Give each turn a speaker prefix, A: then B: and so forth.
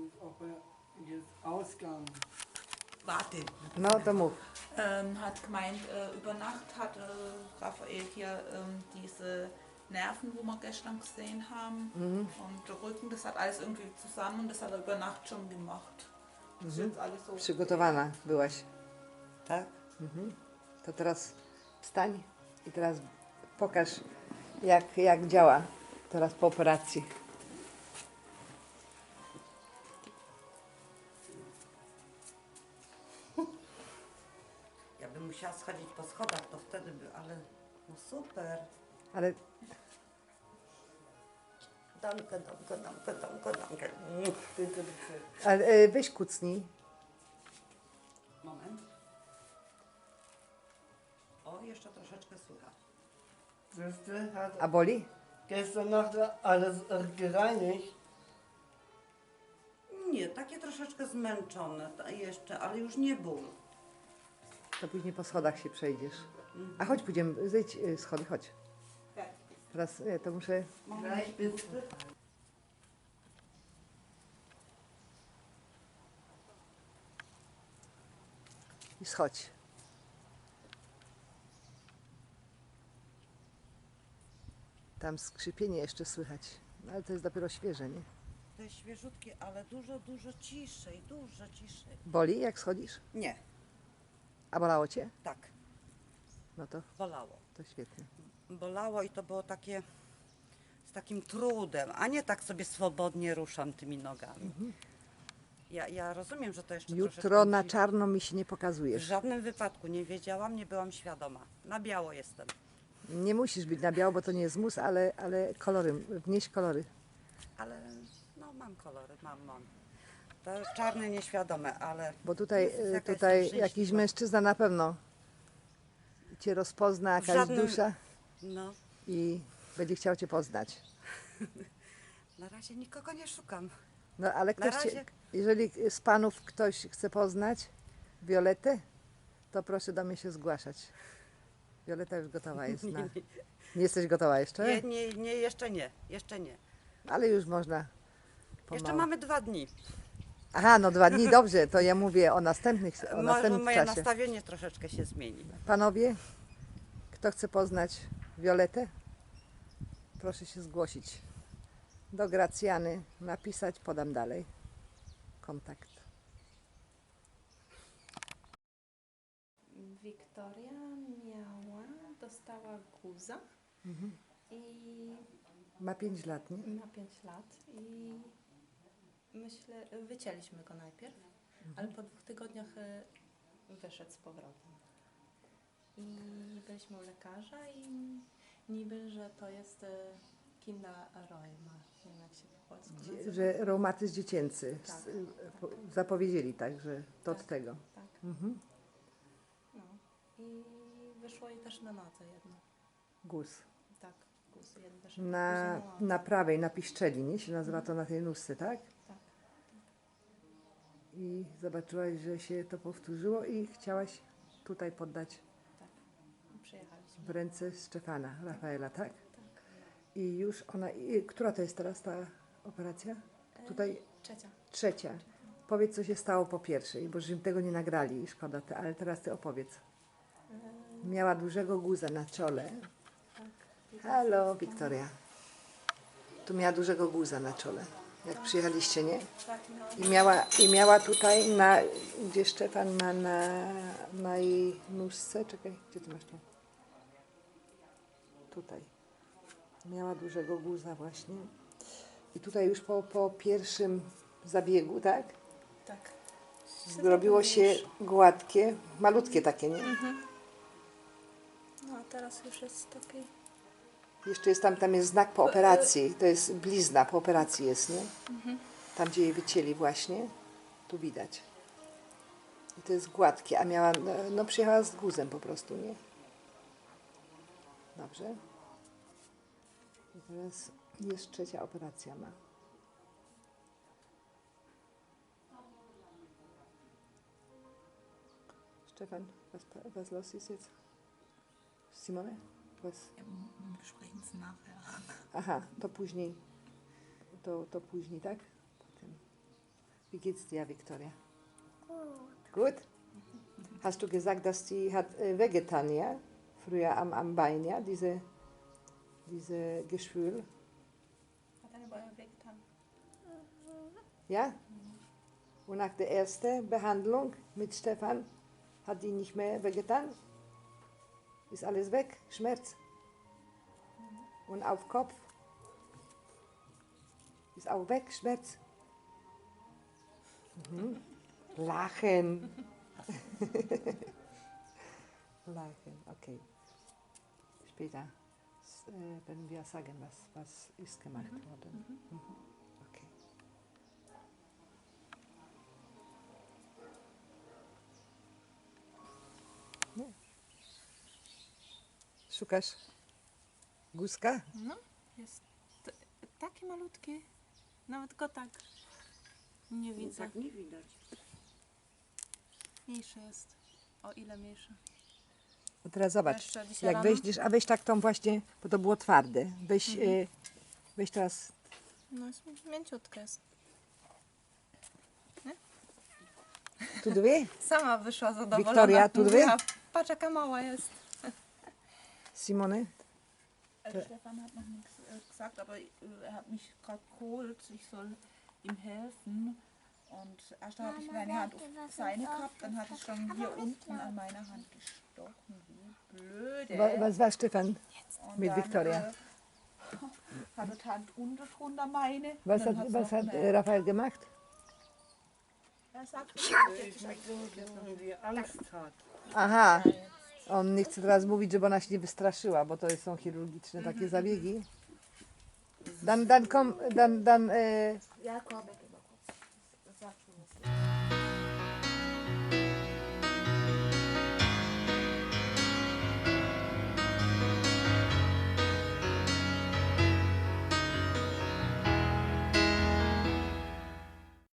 A: ob er jetzt Ausgang.
B: Warte.
C: No to mów.
B: Hat gemeint, über Nacht hat Raphael hier diese Nerven, wo wir gestern gesehen haben, und der Rücken, das hat alles irgendwie zusammen und das hat er über Nacht schon gemacht. Das ist jetzt alles so.
C: Przygotowana byłaś.
B: Tak?
C: To teraz wstań i teraz pokaż, jak działa teraz po operacji.
D: Ja bym musiała schodzić po schodach, to wtedy by, ale no super.
C: Ale
D: Danke, danke, danke, danke, danke.
A: Bitte, bitte.
C: ale weź kucnij.
D: Moment. O, jeszcze troszeczkę słychać.
A: Siehste, hat
C: A boli?
A: gestern Nacht alles gereinigt.
D: Nie, takie troszeczkę zmęczone jeszcze, ale już nie ból.
C: To później po schodach się przejdziesz. A chodź, pójdziemy, zejdź schody, chodź. Teraz to muszę...
A: Gleich bitte.
C: I schodź. Tam skrzypienie jeszcze słychać. No, ale to jest dopiero świeże, nie?
D: To jest świeżutkie, ale dużo, dużo ciszej, dużo ciszej.
C: Boli, jak schodzisz?
D: Nie,
C: A bolało cię?
D: tak,
C: No to
D: bolało.
C: świetnie.
D: Bolało i to było takie z takim trudem, a nie tak sobie swobodnie ruszam tymi nogami. Ja rozumiem, że to jeszcze
C: Jutro
D: troszeczkę
C: na
D: musi-
C: czarno mi się nie
D: W
C: pokazujesz.
D: żadnym wypadku nie wiedziałam, nie byłam świadoma. Na biało jestem.
C: Nie musisz być na biało, bo to nie jest mus, ale kolory, wnieś kolory.
D: Ale no mam kolory, mam. To czarne nieświadome, ale
C: Bo tutaj,
D: Jezus, jaka
C: tutaj
D: jestem
C: jakiś
D: szczęśliwa.
C: mężczyzna na pewno cię rozpozna, jakaś
D: żadnym-
C: dusza
D: no
C: i będzie chciał cię poznać.
D: na razie nikogo nie szukam.
C: No ale
D: Na
C: ktoś cię,
D: razie.
C: jeżeli z panów ktoś chce poznać Violetę, to proszę do mnie się zgłaszać. Violeta już gotowa jest. Nie jesteś gotowa jeszcze?
D: Jeszcze nie.
C: Ale już można
D: Jeszcze
C: pomału.
D: mamy 2 dni.
C: Aha, no 2 dni, dobrze, to ja mówię o następnych, o
D: Może
C: następnym
D: moje
C: czasie.
D: nastawienie troszeczkę się zmieni.
C: Panowie, kto chce poznać Violetę, proszę się zgłosić do Gracjany, napisać, podam dalej kontakt.
E: Wiktoria dostała guza i
C: Ma 5 lat, nie?
E: ma 5 lat i myślę, wycięliśmy go najpierw, ale po 2 tygodniach wyszedł z powrotem. I byliśmy u lekarza i niby, że to jest Kinderrheuma, nie wiem jak się po polsku nazywa.
C: Że reumatyzm dziecięcy.
E: Tak.
C: Zapowiedzieli tak, że to od
E: Tak.
C: tego.
E: Tak.
C: Mhm.
E: No. I wyszło jej też na nodze jedno.
C: Guz.
E: Tak, guz jeden wyszedł.
C: Na prawej, na piszczeli, nie? Się nazywa to na tej nóżce, tak?
E: Tak.
C: I zobaczyłaś, że się to powtórzyło i chciałaś tutaj poddać
E: Tak, przyjechaliśmy.
C: w ręce Stefana, Rafaela, tak?
E: Tak.
C: I już ona, która to jest teraz ta operacja? Tutaj trzecia. Powiedz, co się stało po pierwszej, bo żeśmy tego nie nagrali, szkoda, ale teraz ty opowiedz. Miała dużego guza na czole. Halo, Wiktoria. Tu miała dużego guza na czole, jak przyjechaliście, nie?
E: Tak, no.
C: I miała tutaj, gdzie Stefan ma na jej nóżce, czekaj, gdzie ty masz to? Tutaj. Miała dużego guza właśnie. I tutaj już po pierwszym zabiegu, tak?
E: Tak.
C: Zrobiło się gładkie, malutkie takie, nie?
E: No a teraz już jest taki.
C: Jeszcze jest tam jest znak po operacji, to jest blizna po operacji jest, nie? Tam, gdzie jej wycięli właśnie, tu widać. I to jest gładkie, a miała, no przyjechała z guzem po prostu, nie? Dobrze. I teraz jest trzecia operacja ma. Stefan, was los ist jetzt? Simone? Was?
B: Wir sprechen es nachher.
C: Aha, to później. To później, tak? Potem. Wie geht's dir, Victoria? Gut. Hast du gesagt, dass sie hat wehgetan, ja? Früher am Bein, ja? Diese Geschwül.
E: Hat eine Bäume wehgetan.
C: Ja? Und nach der ersten Behandlung mit Stefan hat die nicht mehr wehgetan? Ist alles weg? Schmerz? Und auf Kopf? Ist auch weg? Schmerz? Mhm. Lachen. Lachen, okay. Später werden wir sagen, was ist gemacht worden. Mhm. Okay. No. Szukasz guzka?
E: No, jest taki malutki. Nawet go tak nie widzę.
D: Tak nie widać.
E: Mniejszy jest. O ile mniejszy.
C: No teraz zobacz,
E: Jeszcze dzisiaj
C: jak
E: rano?
C: weźmiesz, a weź tak tą właśnie, bo to było twarde. Weź, weź teraz,
E: No jest mięciutki jest.
C: tu dwie,
E: Sama wyszła zadowolona.
C: Wiktoria, tu
E: Mówiła, patrz jaka mała jest.
C: Simone.
B: Stefan hat noch nichts gesagt, aber er hat mich gerade geholt, ich soll ihm helfen. Und erst habe ich meine Hand auf seine gehabt, dann hat es schon hier unten an meiner Hand gestochen. Wie blöde.
C: Was war Stefan
B: Und
C: mit
B: dann,
C: Victoria?
B: Hat er die Hand drunter meine.
C: Was
B: Dann
C: hat,
B: hat's
C: was
B: noch
C: hat
B: eine-
C: Rafael gemacht?
B: Er sagt,
A: Ich möchte, dass irgendwie Angst hat.
C: Aha, on nie chce teraz mówić, żeby ona się nie wystraszyła, bo to są chirurgiczne takie zabiegi. Dan